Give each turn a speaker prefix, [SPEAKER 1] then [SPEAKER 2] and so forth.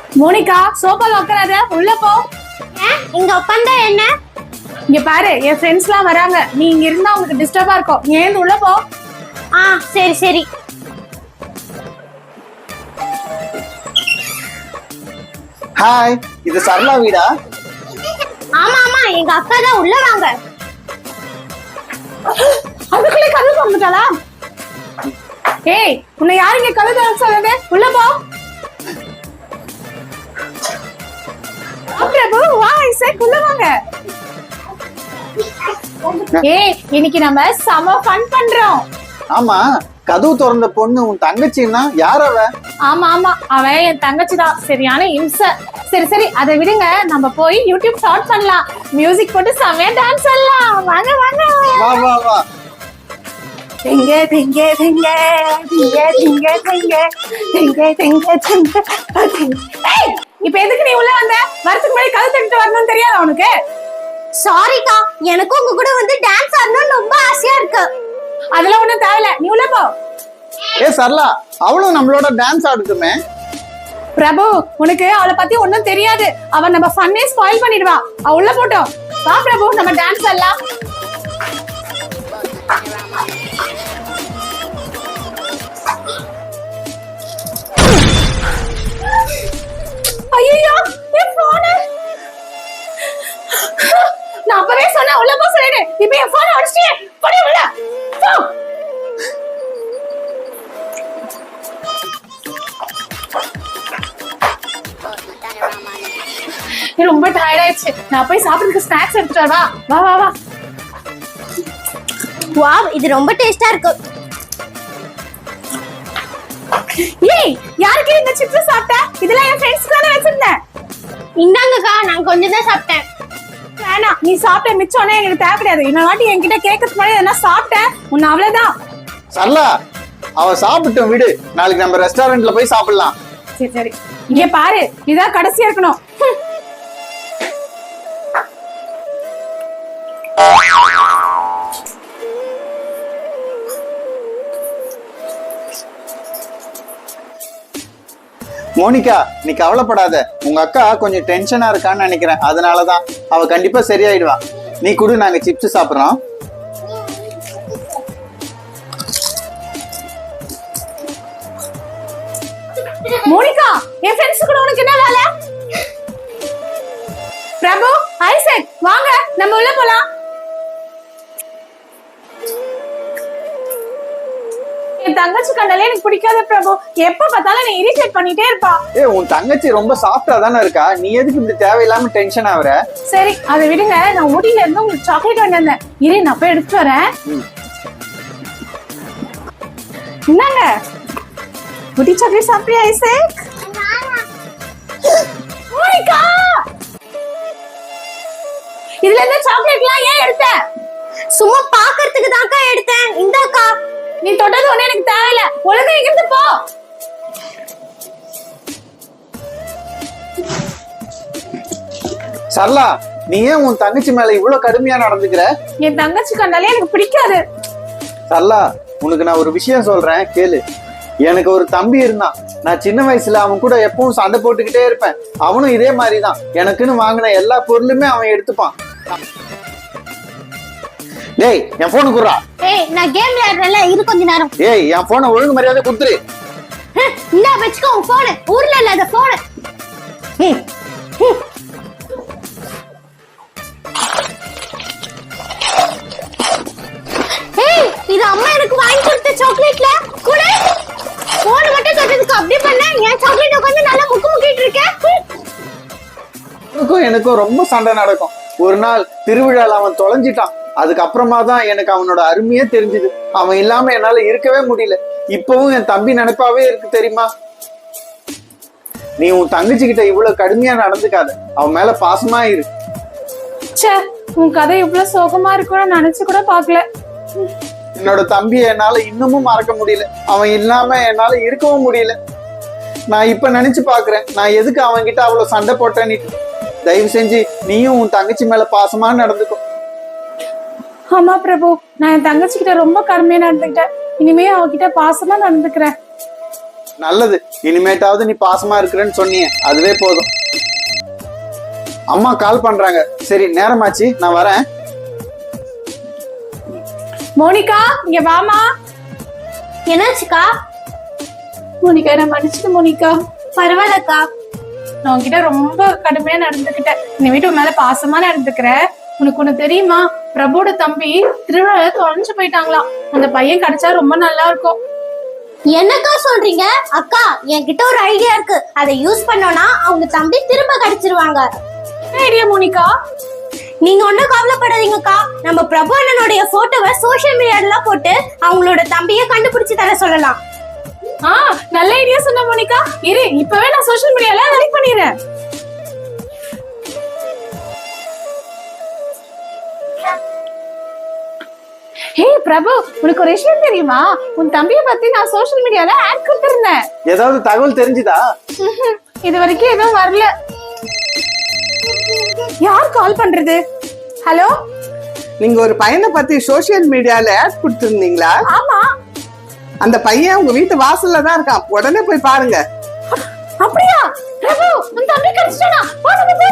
[SPEAKER 1] Monica சோபால உட்காராத, உள்ள போ.
[SPEAKER 2] இங்க உட்காந்தா என்ன?
[SPEAKER 1] இங்க பாரு, என் ஃப்ரெண்ட்ஸ் எல்லாம் வராங்க. நீ இங்க இருந்தா உங்களுக்கு டிஸ்டர்பா இருக்கும். நீ ஏந்து உள்ள போ.
[SPEAKER 2] சரி சரி.
[SPEAKER 3] ஹாய், இது சரளா வீடா?
[SPEAKER 2] ஆமா ஆமா, எங்க அக்கா தான். உள்ள வாங்க.
[SPEAKER 1] அதுக்குள்ளே கதவு வந்துட்டாளா? ஏய், உன்னை யாரு இங்க கதவு திறக்க சொல்லுது? உள்ள போ. பிரபு வா, ஐசக் உள்ள வாங்க. ஏய், இன்னைக்கு நம்ம செம ஃபன் பண்றோம்.
[SPEAKER 3] ஆமா, கதவு திறந்த பொண்ணு உன் தங்கச்சின்னா யார் அவ?
[SPEAKER 1] ஆமா ஆமா, அவ என் தங்கச்சி தான். சரியான இம்ச. சரி சரி, அதை விடுங்க. நம்ம போய் யூடியூப் ஸ்டார்ட் பண்ணலாம். மியூசிக் போட்டு செமையா டான்ஸ் ஆடலாம். வாங்க வாங்க.
[SPEAKER 3] வா வா வா.
[SPEAKER 1] திங்க திங்க திங்க திங்க திங்க திங்க திங்க திங்க திங்க. ஏய், இப்ப எதுக்கு நீ உள்ள வந்த? வரதுக்கு முன்னாடி கதவு தட்டிட்டு வரணும்னு தெரியாதா உனக்கு?
[SPEAKER 2] சாரிக்கா, எனக்கும் உங்க கூட வந்து டான்ஸ் ஆடணும்னு ரொம்ப ஆசையா இருக்கு.
[SPEAKER 1] அதெல்லாம் ஒண்ணும் தேவையில்ல, நீ உள்ள போ.
[SPEAKER 3] ஏ சரளா, அவளும் நம்மளோட டான்ஸ் ஆடுட்டுமே.
[SPEAKER 1] பிரபு, உனக்கு அவளை பத்தி ஒண்ணும் தெரியாது. அவ நம்ம ஃபன்னே ஸ்பாயில் பண்ணிடுவா. அவ உள்ள போட்டோம். வா பிரபு, நம்ம டான்ஸ் ஆடலாம். ஐயோ, என் போன். நான் அப்பவே சொன்னேன் உள்ள போ சொல்லிடு. இப்போ என் போன் அடிச்சிட்டே. போடி உள்ள. போ. ரொம்ப டயர்ட் ஆயிடுச்சு. நான் போய் சாப்பிடுறதுக்கு ஸ்நாக்ஸ் எடுத்துட்டு வரவா? வா வா வா.
[SPEAKER 2] வாவ், இது ரொம்ப டேஸ்டா இருக்கு.
[SPEAKER 1] ஏய், யாருக்கு இந்த சிப்ஸ் சாப்பிட்ட? இதெல்லாம் என் ஃப்ரெண்ட்ஸ்க்கு தான வச்சிருந்தேன்.
[SPEAKER 2] இந்தாங்கக்கா, நான் கொஞ்சம் தான் சாப்பிட்டேன்.
[SPEAKER 1] வேணாம், நீ சாப்பிட்ட மிச்சம்னா எங்களுக்கு தேவை கிடையாது. இன்னொரு வாட்டி என்கிட்ட கேட்கறதுக்கு முன்னாடி என்ன சாப்பிட்டேன் உன்னை அவ்வளவுதான்.
[SPEAKER 3] சரளா, அவ சாப்பிட்டோம் விடு. நாளைக்கு நம்ம ரெஸ்டாரண்ட்ல போய் சாப்பிடலாம்.
[SPEAKER 1] சரி சரி, இங்க பாரு, இதான் கடைசியா இருக்கணும்.
[SPEAKER 3] மோனிகா, நீ கவலைப்படாத. உங்க அக்கா கொஞ்சம் டென்ஷனா இருக்கான்னு நினைக்கிறேன். அதனாலதான் அவ கண்டிப்பா சரியாயிடுவா. நீ கூட நாங்க சிப்ஸ் சாப்பிடுறோம்.
[SPEAKER 1] மோனிகா, என் ஃப்ரெண்ட்ஸ் கூட உனக்கு என்ன வேலை? பிரபு, ஐசக் வாங்க, நம்ம உள்ள போலாம். என் தங்கச்சி கண்டாலே எனக்கு பிடிக்காத பிரபு. எப்ப பார்த்தாலும் நீ இரிட்டேட் பண்ணிட்டே இருப்பா.
[SPEAKER 3] உன் தங்கச்சி ரொம்ப சாஃப்டா தானே இருக்கா. நீ எதுக்கு இப்படி தேவையில்லாம டென்ஷன் ஆகுற?
[SPEAKER 1] சரி, அதை விடுங்க. நான் ஊட்டில இருந்து உங்களுக்கு சாக்லேட் வாங்கி வந்தேன். இரு, நான் போய் எடுத்துட்டு வரேன். என்னங்க ஊட்டி சாக்லேட் சாப்பிட்டியா ஐசக்? மோனிகா, இதுல இருந்து சாக்லேட்லாம் ஏன் எடுத்த?
[SPEAKER 2] சும்மா பாக்குறதுக்கு தான்க்கா எடுத்தேன். இந்தாக்கா.
[SPEAKER 1] நீ தொட்டது ஒண்ணு எனக்கு தேவையில்ல. ஒழுங்கா இங்கிருந்து போ.
[SPEAKER 3] சரளா, நீ ஏன் உன் தங்கச்சி மேல இவ்வளவு கடுமையா நடந்துக்கிற?
[SPEAKER 1] என் தங்கச்சி கண்டாலே எனக்கு பிடிக்காது.
[SPEAKER 3] சரளா, உனக்கு நான் ஒரு விஷயம் சொல்றேன், கேளு. எனக்கு ஒரு தம்பி இருந்தான். நான் சின்ன வயசுல அவன் கூட எப்பவும் சண்டை போட்டுக்கிட்டே இருப்பேன். அவனும் இதே மாதிரிதான். எனக்குன்னு வாங்கின எல்லா பொருளுமே அவன் எடுத்துப்பான். டேய், என் போனு குடுறா.
[SPEAKER 2] ஏய், நான் கேம் விளையாடுறேன்ல, இது கொஞ்ச நேரம்.
[SPEAKER 3] ஏய், என் போனை ஒழுங்கு மரியாதை கொடுத்துரு.
[SPEAKER 2] இந்தா வச்சுக்கோ உன் போனு. ஊர்ல இல்லாத போனு. ஏய், இது அம்மா எனக்கு வாங்கி கொடுத்த சாக்லேட்ல கூட. போன் மட்டும் தொட்டதுக்கு அப்படி பண்ண. என் சாக்லேட் உட்கார்ந்து நல்லா முக்கு முக்கிட்டு இருக்கேன்.
[SPEAKER 3] எனக்கும் ரொம்ப சண்டை நடக்கும். ஒரு நாள் திருவிழால அவன் தொலைஞ்சிட்டான். அதுக்கப்புறமா தான் எனக்கு அவனோட அருமையே தெரிஞ்சுது. அவன் இல்லாம என்னால இருக்கவே முடியல. இப்பவும் என் தம்பி நினைப்பாவே இருக்கு தெரியுமா. நீ உன் தங்கச்சி கிட்ட இவ்வளவு கடுமையா நடந்துக்காத. அவன் மேல பாசமா இரு.
[SPEAKER 1] ச்சே, உன் கதை இவ்வளவு சோகமா இருக்கும்னு நினைச்சு கூட பாக்கல.
[SPEAKER 3] என்னோட தம்பியை என்னால இன்னமும் மறக்க முடியல. அவன் இல்லாம என்னால இருக்கவும் முடியல. நான் இப்ப நினைச்சு பாக்குறேன், நான் எதுக்கு அவன் கிட்ட அவ்வளவு சண்டை போட்டேன்னு. தயவு செஞ்சு நீயும் உன் தங்கச்சி மேல பாசமா நடந்துக்கும்.
[SPEAKER 1] ஆமா பிரபு, நான் என் தங்கச்சி கிட்ட ரொம்ப கருமையா நடந்துக்கிட்டேன். இனிமே அவகிட்ட பாசமா நடந்துக்கிறேன்.
[SPEAKER 3] நல்லது. இனிமேட்டாவது நீ பாசமா இருக்கிறேன்னு சொன்னியே, அதுவே போதும். அம்மா கால் பண்றாங்க. சரி, நேரமாச்சு, நான் வரேன்.
[SPEAKER 1] மோனிகா இங்க வாமா.
[SPEAKER 2] என்னாச்சுக்கா?
[SPEAKER 1] மோனிகா என்ன மன்னிச்சிடு மோனிகா.
[SPEAKER 2] பரவாயில்லக்கா.
[SPEAKER 1] நான் உன்கிட்ட ரொம்ப கடுமையா நடந்துக்கிட்டேன். இந்த வீட்டு மேல பாசமா நடந்துக்கிறேன். உனக்கு ஒண்ணு தெரியுமா? பிரபுவோட தம்பி திருவிழால தொலைஞ்சு போயிட்டாங்களாம். அந்த பையன் கிடைச்சா ரொம்ப நல்லா இருக்கும்.
[SPEAKER 2] என்னக்கா சொல்றீங்க? அக்கா, என்கிட்ட ஒரு ஐடியா இருக்கு. அதை யூஸ் பண்ணோம்னா அவங்க தம்பி திரும்ப கிடைச்சிருவாங்க.
[SPEAKER 1] என்ன ஐடியா மோனிகா?
[SPEAKER 2] நீங்க ஒண்ணும் கவலைப்படாதீங்கக்கா. நம்ம பிரபு அண்ணனுடைய போட்டோவை சோசியல் மீடியால போட்டு அவங்களோட தம்பியை கண்டுபிடிச்சு தர சொல்லலாம்.
[SPEAKER 1] நல்ல ஐடியா சொன்ன மோனிகா. இரு, இப்பவே நான் சோஷியல் மீடியால லைக் பண்ணிடுறேன். ஹே பிரபு, உனக்கு ஒரு விஷயம் தெரியுமா? உன் தம்பியை பத்தி நான் சோஷியல் மீடியால ஆட் கொடுத்திருந்தேன்.
[SPEAKER 3] ஏதாவது தகவல் தெரிஞ்சுதா?
[SPEAKER 1] இது வரைக்கும் எதுவும் வரல. யார் கால் பண்றது? ஹலோ,
[SPEAKER 4] நீங்க ஒரு பையனை பத்தி சோசியல் மீடியால ஆட் கொடுத்திருந்தீங்களா?
[SPEAKER 1] ஆமா.
[SPEAKER 4] அந்த பையன் உங்க வீட்டு வாசல்ல தான் இருக்கான். உடனே போய் பாருங்க.
[SPEAKER 1] அப்படியா? பிரபு, உன் தம்பி கிடைச்சிட்டானா? வா நம்ம